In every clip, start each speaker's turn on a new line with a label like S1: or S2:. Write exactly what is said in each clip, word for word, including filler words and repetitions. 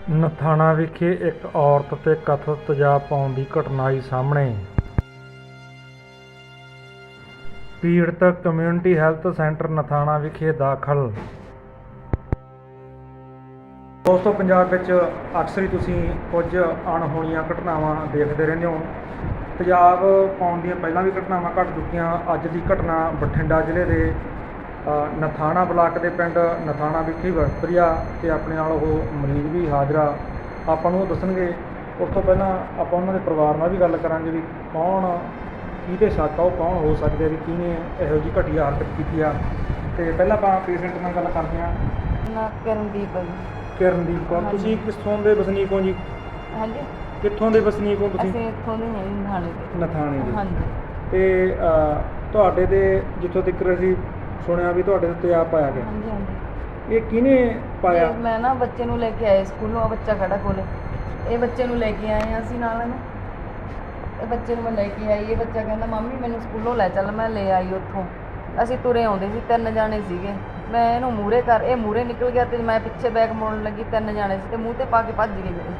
S1: ਨਥਾਣਾ ਵਿਖੇ ਇੱਕ ਔਰਤ 'ਤੇ ਕਥਿਤ ਤੇਜ਼ਾਬ ਪਾਉਣ ਦੀ ਘਟਨਾ ਆਈ ਸਾਹਮਣੇ। ਪੀੜਤ ਕਮਿਊਨਿਟੀ ਹੈਲਥ ਸੈਂਟਰ ਨਥਾਣਾ ਵਿਖੇ ਦਾਖਲ। ਦੋਸਤੋ, ਪੰਜਾਬ ਵਿੱਚ ਅਕਸਰ ਹੀ ਤੁਸੀਂ ਕੁਝ ਅਣਹੋਣੀਆਂ ਘਟਨਾਵਾਂ ਦੇਖਦੇ ਰਹਿੰਦੇ ਹੋ। ਤੇਜ਼ਾਬ ਪਾਉਣ ਦੀਆਂ ਪਹਿਲਾਂ ਵੀ ਘਟਨਾਵਾਂ ਘਟ ਚੁੱਕੀਆਂ। ਅੱਜ ਦੀ ਘਟਨਾ ਬਠਿੰਡਾ ਜ਼ਿਲ੍ਹੇ ਦੇ ਨਥਾਣਾ ਬਲਾਕ ਦੇ ਪਿੰਡ ਨਥਾਣਾ ਵਿਖੇ ਵਾਪਰੀ ਆ ਅਤੇ ਆਪਣੇ ਨਾਲ ਉਹ ਮਰੀਜ਼ ਵੀ ਹਾਜ਼ਰ ਆ। ਆਪਾਂ ਨੂੰ ਉਹ ਦੱਸਣਗੇ। ਉਸ ਤੋਂ ਪਹਿਲਾਂ ਆਪਾਂ ਉਹਨਾਂ ਦੇ ਪਰਿਵਾਰ ਨਾਲ ਵੀ ਗੱਲ ਕਰਾਂਗੇ ਵੀ ਕੌਣ ਕਿਹਦੇ ਸ਼ੱਕ ਆ, ਉਹ ਕੌਣ ਹੋ ਸਕਦੇ ਵੀ ਕਿਹਨੇ ਇਹੋ ਜਿਹੀ ਘਟੀਆ ਹਰਕਤ ਕੀਤੀ ਆ। ਅਤੇ ਪਹਿਲਾਂ ਆਪਾਂ ਪੇਸ਼ੈਂਟ ਨਾਲ ਗੱਲ ਕਰਦੇ ਹਾਂ।
S2: ਨਾ ਕਰਨਦੀਪ ਹੈ ਜੀ।
S1: ਕਿਰਨਦੀਪ ਕੌਰ, ਤੁਸੀਂ ਕਿੱਥੋਂ ਦੇ ਵਸਨੀਕ ਹੋ ਜੀ?
S2: ਹਾਂਜੀ,
S1: ਕਿੱਥੋਂ ਦੇ ਵਸਨੀਕ ਹੋ ਤੁਸੀਂ?
S2: ਅਸੀਂ ਇੱਥੋਂ ਦੇ ਹਾਂ ਜੀ, ਨਥਾਣੇ ਦੇ।
S1: ਨਥਾਣੇ ਦੇ।
S2: ਹਾਂਜੀ।
S1: ਅਤੇ ਤੁਹਾਡੇ ਦੇ ਜਿੱਥੋਂ ਤੱਕ ਅਸੀਂ ਸੁਣਿਆ ਵੀ ਤੁਹਾਡੇ ਤੇ ਤੇਜ਼ਾਬ ਪਾਇਆ ਗਿਆ,
S2: ਹਾਂਜੀ ਹਾਂਜੀ।
S1: ਇਹ ਕਿਹਨੇ ਪਾਇਆ?
S2: ਇਹ ਮੈਂ ਨਾ ਬੱਚੇ ਨੂੰ ਲੈ ਕੇ ਆਏ ਸਕੂਲੋਂ, ਆ ਬੱਚਾ ਖੜਾ ਕੋਲੇ। ਇਹ ਬੱਚੇ ਨੂੰ ਲੈ ਕੇ ਆਏ ਹਾਂ ਅਸੀਂ ਨਾਲ ਇਹਨੂੰ। ਇਹ ਬੱਚੇ ਨੂੰ ਮੈਂ ਲੈ ਕੇ ਆਈ। ਇਹ ਬੱਚਾ ਕਹਿੰਦਾ ਮੰਮੀ ਮੈਨੂੰ ਸਕੂਲੋਂ ਲੈ ਚੱਲ। ਮੈਂ ਲੈ ਆਈ ਉੱਥੋਂ। ਅਸੀਂ ਤੁਰੇ ਆਉਂਦੇ ਸੀ, ਤਿੰਨ ਜਾਣੇ ਸੀਗੇ। ਮੈਂ ਇਹਨੂੰ ਮੂਹਰੇ ਕਰ ਇਹ ਮੂਹਰੇ ਨਿਕਲ ਗਿਆ ਅਤੇ ਮੈਂ ਪਿੱਛੇ ਬੈਗ ਮੋੜਨ ਲੱਗੀ। ਤਿੰਨ ਜਾਣੇ ਸੀ ਅਤੇ ਮੂੰਹ 'ਤੇ ਪਾ ਕੇ ਭੱਜ ਗਏ ਮੇਰੇ।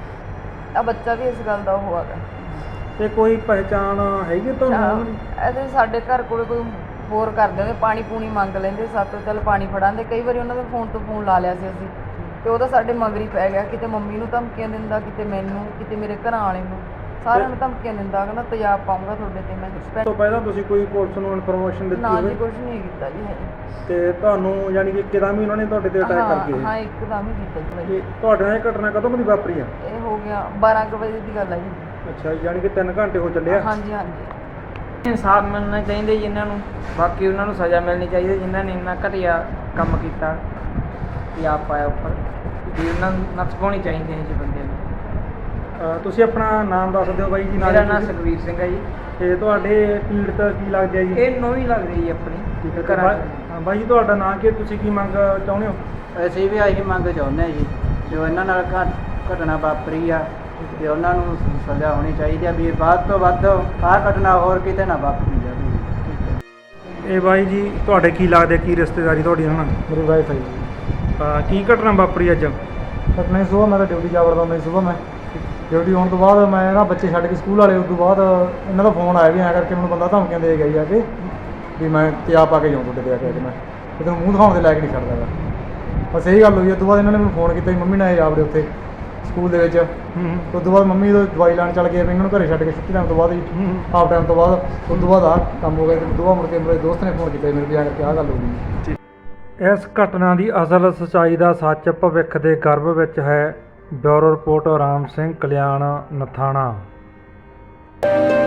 S2: ਆ ਬੱਚਾ ਵੀ ਇਸ ਗੱਲ ਦਾ ਉਹ ਹੈਗਾ।
S1: ਅਤੇ ਕੋਈ ਪਹਿਚਾਣ ਹੈਗੀ ਤੁਹਾਨੂੰ?
S2: ਇਹਦੇ ਸਾਡੇ ਘਰ ਕੋਲ ਕੋਈ ਹੋਰ ਕਰਦੇ ਹੁੰਦੇ, ਪਾਣੀ ਪੂਣੀ ਮੰਗ ਲੈਂਦੇ ਸਾਤੋਂ, ਚੱਲ ਪਾਣੀ ਫੜਾਉਂਦੇ। ਕਈ ਵਾਰੀ ਉਹਨਾਂ ਦੇ ਫੋਨ ਤੋਂ ਫੋਨ ਲਾ ਲਿਆ ਸੀ ਅਸੀਂ, ਅਤੇ ਉਹਦਾ ਸਾਡੇ ਮਗਰ ਹੀ ਪੈ ਗਿਆ। ਕਿਤੇ ਮੰਮੀ ਨੂੰ ਧਮਕੀਆਂ ਦਿੰਦਾ, ਕਿਤੇ ਮੈਨੂੰ, ਕਿਤੇ ਮੇਰੇ ਘਰਾਂ ਵਾਲੇ ਨੂੰ, ਸਾਰਿਆਂ ਨੂੰ ਧਮਕੀਆਂ ਦਿੰਦਾ। ਕਹਿੰਦਾ ਤੇਜ਼ਾਬ ਪਾਊਂਗਾ ਤੁਹਾਡੇ 'ਤੇ ਮੈਂ।
S1: ਉਸ ਤੋਂ ਪਹਿਲਾਂ ਤੁਸੀਂ ਕੋਈ ਪੁਲਿਸ ਨੂੰ ਇਨਫੋਰਮੇਸ਼ਨ ਦਿੱਤੀ
S2: ਨਾ ਜੀ,
S1: ਹੋਵੇ?
S2: ਕੁਛ ਨਹੀਂ ਕੀਤਾ ਜੀ ਹਜੇ।
S1: ਅਤੇ ਤੁਹਾਨੂੰ ਯਾਨੀ ਕਿ ਇੱਕਦਮ ਹੀ ਉਹਨਾਂ ਨੇ ਤੁਹਾਡੇ 'ਤੇ ਅਟੈਕ ਕਰ ਗਏ?
S2: ਹਾਂ, ਇੱਕਦਮ ਹੀ ਕੀਤਾ ਜੀ।
S1: ਇਹ ਤੁਹਾਡੇ ਨਾਲ ਇਹ ਘਟਨਾ ਕਦੋਂ ਦੀ ਵਾਪਰੀ ਆ?
S2: ਇਹ ਹੋ ਗਿਆ ਬਾਰਾਂ ਕੁ ਵਜੇ ਦੀ ਗੱਲ ਹੈ ਜੀ।
S1: ਅੱਛਾ, ਯਾਨੀ ਕਿ ਤਿੰਨ ਘੰਟੇ ਹੋ ਚੱਲੇ ਆ?
S2: ਹਾਂਜੀ ਹਾਂਜੀ।
S3: ਇਨਸਾਫ ਮਿਲਣਾ ਚਾਹੀਦਾ ਜੀ ਇਹਨਾਂ ਨੂੰ। ਬਾਕੀ ਉਹਨਾਂ ਨੂੰ ਸਜ਼ਾ ਮਿਲਣੀ ਚਾਹੀਦੀ ਜਿਨ੍ਹਾਂ ਨੇ ਇੰਨਾ ਘਟੀਆ ਕੰਮ ਕੀਤਾ, ਤੇਜ਼ਾਬ ਪਾਇਆ ਉੱਪਰ। ਵੀ ਉਹਨਾਂ ਨੂੰ ਨੱਥ ਪਾਉਣੀ ਚਾਹੀਦੀ ਹੈ ਜੀ ਬੰਦੇ ਨੂੰ।
S1: ਅ, ਤੁਸੀਂ ਆਪਣਾ ਨਾਮ ਦੱਸ ਦਿਓ ਬਾਈ ਜੀ।
S3: ਮੇਰਾ ਨਾਮ ਸੁਖਵੀਰ ਸਿੰਘ ਹੈ ਜੀ।
S1: ਅਤੇ ਤੁਹਾਡੇ ਪੀੜਤ ਕੀ ਲੱਗਦੇ ਆ ਜੀ?
S3: ਇਹ ਨੌਵੀਂ ਲੱਗਦੀ ਜੀ ਆਪਣੀ।
S1: ਠੀਕ ਹੈ
S3: ਘਰਾਂ 'ਚ।
S1: ਹਾਂ ਬਾਈ ਜੀ, ਤੁਹਾਡਾ ਨਾਂ ਕੀ? ਤੁਸੀਂ ਕੀ ਮੰਗ ਚਾਹੁੰਦੇ ਹੋ?
S4: ਅਸੀਂ ਵੀ ਆਹੀ ਮੰਗ ਚਾਹੁੰਦੇ ਹਾਂ ਜੀ, ਜੋ ਇਹਨਾਂ ਨਾਲ ਘਟ ਘਟਨਾ ਵਾਪਰੀ ਆ ਅਤੇ ਉਹਨਾਂ ਨੂੰ ਸਜ਼ਾ ਹੋਣੀ ਚਾਹੀਦੀ ਆ ਵੀ ਵੱਧ ਤੋਂ ਵੱਧ ਆਹ ਘਟਨਾ ਹੋਰ ਕਿਤੇ ਨਾ ਵਾਪਰੀ ਜਾਵੇ।
S1: ਇਹ ਬਾਈ ਜੀ ਤੁਹਾਡੇ ਕੀ ਲੱਗਦੇ, ਕੀ ਰਿਸ਼ਤੇਦਾਰੀ ਤੁਹਾਡੀ ਉਹਨਾਂ ਨਾਲ?
S5: ਮੇਰੀ ਵਾਈਫ ਹੈ ਜੀ।
S1: ਅ, ਕੀ ਘਟਨਾ ਵਾਪਰੀ ਅੱਜ?
S5: ਘਟਨਾ ਸੁਬਾਹ ਮੈਂ ਤਾਂ ਡਿਊਟੀ ਜਾ ਵੜਦਾ ਹੁੰਦਾ ਸੀ। ਸੁਬਾਹ ਮੈਂ ਡਿਊਟੀ ਆਉਣ ਤੋਂ ਬਾਅਦ ਮੈਂ ਨਾ ਬੱਚੇ ਛੱਡ ਕੇ ਸਕੂਲ ਵਾਲੇ, ਉਸ ਤੋਂ ਬਾਅਦ ਇਹਨਾਂ ਦਾ ਫੋਨ ਆਇਆ ਵੀ ਐਂ ਕਰਕੇ ਮੈਨੂੰ ਬੰਦਾ ਧਮਕੀਆਂ ਦੇ ਗਿਆ ਜੀ ਆ ਕੇ ਵੀ ਮੈਂ ਤੇਜ਼ਾਬ ਪਾ ਕੇ ਜਾਊਂ ਤੁਹਾਡੇ 'ਤੇ ਆ ਕੇ। ਅੱਜ ਮੈਂ ਤੇ ਤੈਨੂੰ ਮੂੰਹ ਦਿਖਾਉਣ ਦੇ ਲੈ ਕੇ ਨਹੀਂ ਛੱਡਦਾ ਗਾ। ਬਸ ਇਹੀ ਗੱਲ ਹੋਈ। ਉਸ ਤੋਂ ਬਾਅਦ ਇਹਨਾਂ ਨੇ ਮੈਨੂੰ ਫੋਨ ਕੀਤਾ ਵੀ ਮੰਮੀ ਨਾਲ ਆਵੜੇ ਉੱਥੇ ਸਕੂਲ ਦੇ ਵਿੱਚ। ਉਸ ਤੋਂ ਬਾਅਦ ਮੰਮੀ ਜਦੋਂ ਦਵਾਈ ਲੈਣ ਚੱਲ ਗਏ, ਇਹਨਾਂ ਨੂੰ ਘਰੇ ਛੱਡ ਕੇ ਛੁੱਟੀ ਟਾਈਮ ਤੋਂ ਬਾਅਦ ਹੀ ਹਾਫ ਟਾਈਮ ਤੋਂ ਬਾਅਦ ਉਸ ਤੋਂ ਬਾਅਦ ਆਹ ਕੰਮ ਹੋ ਗਿਆ। ਅਤੇ ਉਸ ਤੋਂ ਬਾਅਦ ਮੁੜ ਕੇ ਮੇਰੇ ਦੋਸਤ ਨੇ ਫੋਨ ਕੀਤਾ ਮੇਰੇ ਵੀ ਆ ਕਰਕੇ ਆਹ ਗੱਲ ਹੋ ਗਈ।
S1: ਇਸ ਘਟਨਾ ਦੀ ਅਸਲ ਸੱਚਾਈ ਦਾ ਸੱਚ ਭਵਿੱਖ ਦੇ ਗਰਭ ਵਿੱਚ ਹੈ। Bureau report Ram Singh, Kalyan, Nathana.